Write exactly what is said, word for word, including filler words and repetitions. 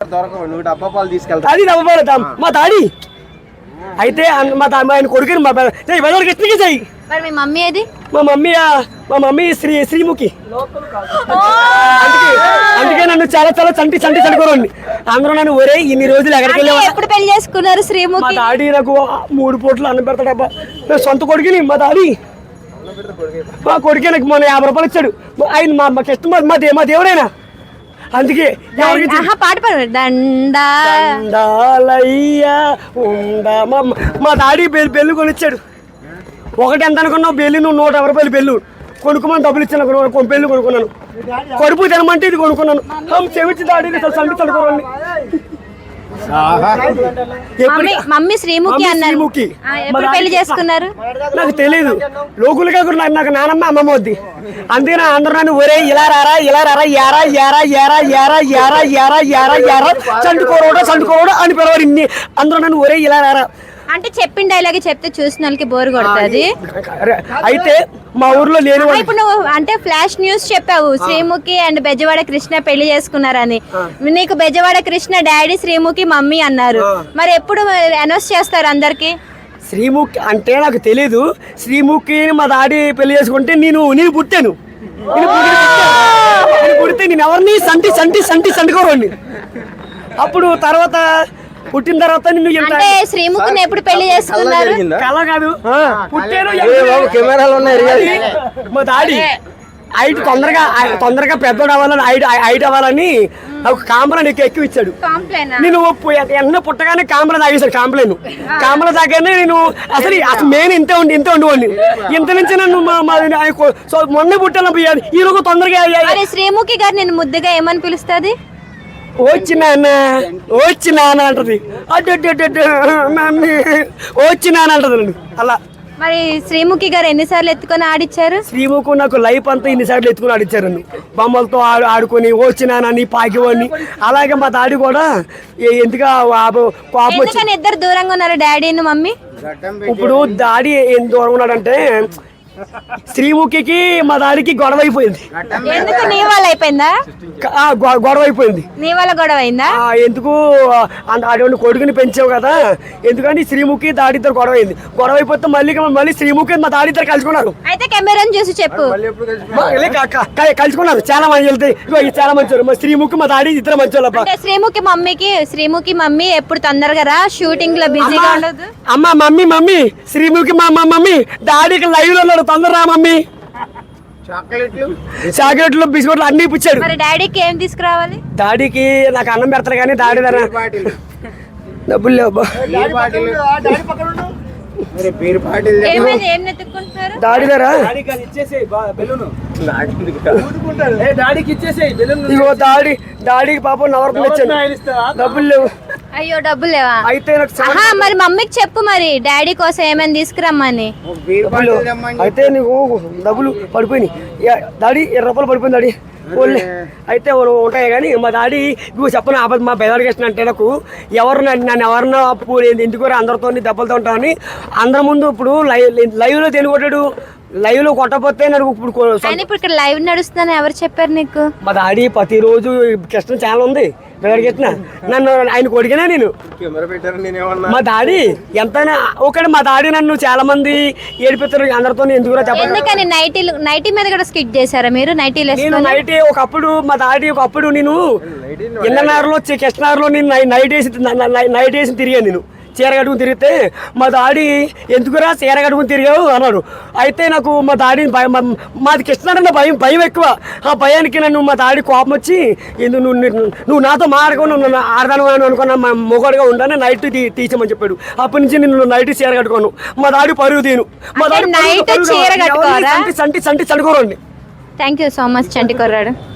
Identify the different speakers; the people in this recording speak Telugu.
Speaker 1: డబ్బా పాలు తీసుకెళ్తా.
Speaker 2: అది డబ్బా పాలు మా తాడి అయితే మా ఆయన కొడుకుని మా ఎత్తికి చెయ్యి.
Speaker 3: మరి మీ మమ్మీ ఏది?
Speaker 2: మా మమ్మీ మా మమ్మీ శ్రీ శ్రీముఖి. అందుకే అందుకే నన్ను చాలా చాలా చంటి చంటి చండుకోరండి అందరూ నన్ను ఒరే ఇన్ని రోజులు ఎక్కడికి వెళ్ళావా?
Speaker 3: ఎప్పుడు పెళ్లి చేసుకున్నారు శ్రీముఖి?
Speaker 2: మా డాడీ నాకు మూడు పూటలు అన్నం పెడతాడబ్బా. నేను సొంత కొడుకుని మా డాడీ మా కొడుకే నాకు మొన్న యాభై రూపాయలు ఇచ్చాడు. ఆయన మా మాకు ఇష్టం మా దే మా దేవుడైనా. అందుకే
Speaker 3: పాట పాడు.
Speaker 2: దండాలయ్యా ఉండా మా డాడీ బెల్లు బెల్లు కొనిచ్చాడు. ఒకటి ఎంత అనుకున్నావు బెల్లి? నువ్వు నూట యాభై రూపాయలు బెల్లు కొనుక్కోమని డబ్బులు ఇచ్చాను. బెల్లు కొనుక్కున్నాను. కడుపు తినమంటే ఇది కొనుక్కున్నాను. చెవిచ్చి డాడీ చంటి చదువుకోండి.
Speaker 3: మమ్మీ శ్రీముఖి అన్నారు. ఎప్పుడు పెళ్లి చేసుకున్నారు?
Speaker 2: నాకు తెలియదు. లోకులుగా కూడా నాకు నానమ్మ అమ్మమ్మ వద్ది. అందుకని అందరూ నన్ను ఒరే ఇలా రారా ఇలా రారా యారా యారా యారా యారా యారా యారా యారా యారా చండుకోరోడా చండుకోరోడా అని పిలవారు. ఇన్ని అందరూ నన్ను ఒరే ఇలా రారా
Speaker 3: అంటే చెప్పిన డైలాగ్ చెప్తే చూసిన వాళ్ళకి బోర్ కొడుతుంది.
Speaker 2: అయితే మా ఊర్లో లేని
Speaker 3: ఇప్పుడు నువ్వు అంటే ఫ్లాష్ న్యూస్ చెప్పావు శ్రీముఖి అండ్ బెజవాడ కృష్ణ పెళ్లి చేసుకున్నారని. నీకు బెజవాడ కృష్ణ డాడీ శ్రీముఖి మమ్మీ అన్నారు. మరి ఎప్పుడు అనౌన్స్ చేస్తారు అందరికి?
Speaker 2: శ్రీముఖి అంటే నాకు తెలీదు. శ్రీముఖి మా డాడీ పెళ్లి చేసుకుంటే నేను నేను పుట్టాను. నేను పుడితే నేను ఎవరిని సంటి సంటి సంటి సంటికోరండి. అప్పుడు తర్వాత పుట్టిన తర్వాత
Speaker 3: అంటే శ్రీముఖిని ఎప్పుడు పెళ్లి చేసుకున్నారు?
Speaker 2: కళ కాదు పుట్టాను.
Speaker 1: కెమెరాలు ఉన్నాయి.
Speaker 2: మా డాడీ హైట్ తొందరగా తొందరగా పెద్దోడు అవ్వాలని హైట్ హైట్ అవ్వాలని నాకు కాంబరా నీకు ఎక్కువ ఇచ్చాడు. నేను ఎన్న పుట్టగానే కాంబరా తాగేశాడు. కాంప్లైన్ కాంబరా తాగానే నేను అసలు అసలు మెయిన్ ఇంతే ఉండి ఇంతే ఉండేవాడిని. ఇంత నుంచి నన్ను మొన్న పుట్టాను. ఈ రోజు తొందరగా
Speaker 3: శ్రీముఖి గారు నేను ముద్దుగా ఏమని పిలుస్తుంది?
Speaker 2: వచ్చి నాన్న వచ్చి నాన్న అంటది. అడ్డు వచ్చి నాన్న అంటది. అలా
Speaker 3: మరి శ్రీముఖి గారు ఎన్నిసార్లు ఎత్తుకొని ఆడిచ్చారు?
Speaker 2: శ్రీముఖి నాకు లైఫ్ అంతా ఇన్నిసార్లు ఎత్తుకొని ఆడిచ్చారు. బొమ్మలతో ఆడు ఆడుకొని వచ్చినానని పాకివని. అలాగే మా డాడీ కూడా ఎందుకు కోపం వచ్చి
Speaker 3: ఇద్దరు దూరంగా ఉన్నారు డాడీని మమ్మీ.
Speaker 2: ఇప్పుడు డాడీ ఏం దూరంగా ఉన్నాడంటే శ్రీముఖికి మా డాడీకి గొడవ అయిపోయింది.
Speaker 3: ఎందుకు? నీ వల్ల అయిపోయిందా?
Speaker 2: గొడవ అయిపోయింది.
Speaker 3: నీ వల్ల గొడవ అయిందా?
Speaker 2: ఎందుకు అటువంటి కొడుకుని పెంచావు కదా ఎందుకంటే శ్రీముఖి డాడీ ఇద్దరు గొడవ అయింది. గొడవ అయిపోతే మళ్ళీ మళ్ళీ శ్రీముఖి మా డాడీ ఇద్దరు కలుసుకున్నారు.
Speaker 3: అయితే కెమెరాని చూసి చెప్పు.
Speaker 2: కలుసుకున్నారు. చాలా మంది వెళ్తాయి. చాలా మంచి మా శ్రీముఖి మా డాడీ ఇద్దరు మంచి వాళ్ళు.
Speaker 3: శ్రీముఖి మమ్మీకి శ్రీముఖి మమ్మీ ఎప్పుడు తొందరగా రా షూటింగ్ లో బిజీగా ఉండదు.
Speaker 2: అమ్మ మమ్మీ మమ్మీ శ్రీముఖి మా మమ్మీ డాడీకి లైవ్ లో ఉన్నాడు. తొందర రా మమ్మీ. చాక్లెట్లు బిస్కెట్లు అన్ని ఇప్పించాడు.
Speaker 3: మరి డాడీకి ఏం తీసుకురావాలి?
Speaker 2: డాడీకి నాకు అన్నం పెడతారు కానీ డాడీ దగ్గర డబ్బులు లేవు. డాడీ దగ్గర ఇగో డాడీ డాడీకి పాపం నవరత్నం ఇచ్చాను. డబ్బులు లేవు.
Speaker 3: అయ్యో డబ్బులు లేవా?
Speaker 2: అయితే
Speaker 3: మరి మమ్మీకి చెప్పు మరి డాడీ కోసం ఏమైనా తీసుకురమ్మని.
Speaker 2: అయితే నీకు డబ్బులు పడిపోయినాయి. డాడీ ఇరవై రూపాయలు పడిపోయింది డాడీ. ఓన్లీ అయితే ఉంటాయి కానీ మా డాడీ ఇవి చెప్పను ఆపద మా బెదర్గేషన్ అంటే నాకు ఎవరు నన్ను ఎవరినో అప్పు ఎందుకు అందరితో దెబ్బలతో ఉంటామని అందరి ముందు ఇప్పుడు లైవ్ లైవ్లో తెలుగుతాడు. లైవ్ లో కొట్టపోతే నాకు ఇప్పుడు
Speaker 3: ఇప్పుడు ఇక్కడ లైవ్ నడుస్తుందని ఎవరు చెప్పారు నీకు?
Speaker 2: మా డాడీ ప్రతిరోజు కృష్ణ ఛానల్ ఉంది బెదర్గేసిన నన్ను ఆయన కొడిగినా నేను మా డాడీ ఎంతైనా ఒకటి మా డాడీ నన్ను చాలా మంది ఏడిపిస్తారు అందరితో ఎందుకు
Speaker 3: చెప్పండి. నైటీ నైటీ మీద కూడా స్కిట్ చేశారా మీరు? నైటీలు
Speaker 2: నైటీ ఒకప్పుడు మా డాడీ ఒకప్పుడు నేను ఎన్ననారులో కృష్ణారులో నేను నైట్ వేసి నైట్ వేసి తిరిగాను. నేను చీర కట్టుకుని తిరిగితే మా డాడీ ఎందుకురా చీర కట్టుకుని తిరిగావు అన్నాడు. అయితే నాకు మా డాడీ భయం మాది కృష్ణారన్న భయం భయం ఎక్కువ. ఆ భయానికి నన్ను మా డాడీ కోపం వచ్చి ఎందుకు నువ్వు నువ్వు నాతో మారకుండా నన్ను ఆడదాను అని అనుకున్నా మా మొగడుగా ఉండాలని నైట్ తీసేమని చెప్పాడు. అప్పటి నుంచి నేను నైట్ చీర కట్టుకోను. మా డాడీ పరుగు తీను. మా డాడీ
Speaker 3: చీర కట్టుకోరా?
Speaker 2: సంటి సంటి సంటి చడుకోరండి.
Speaker 3: Thank you so much Chanti కొర్రాడు.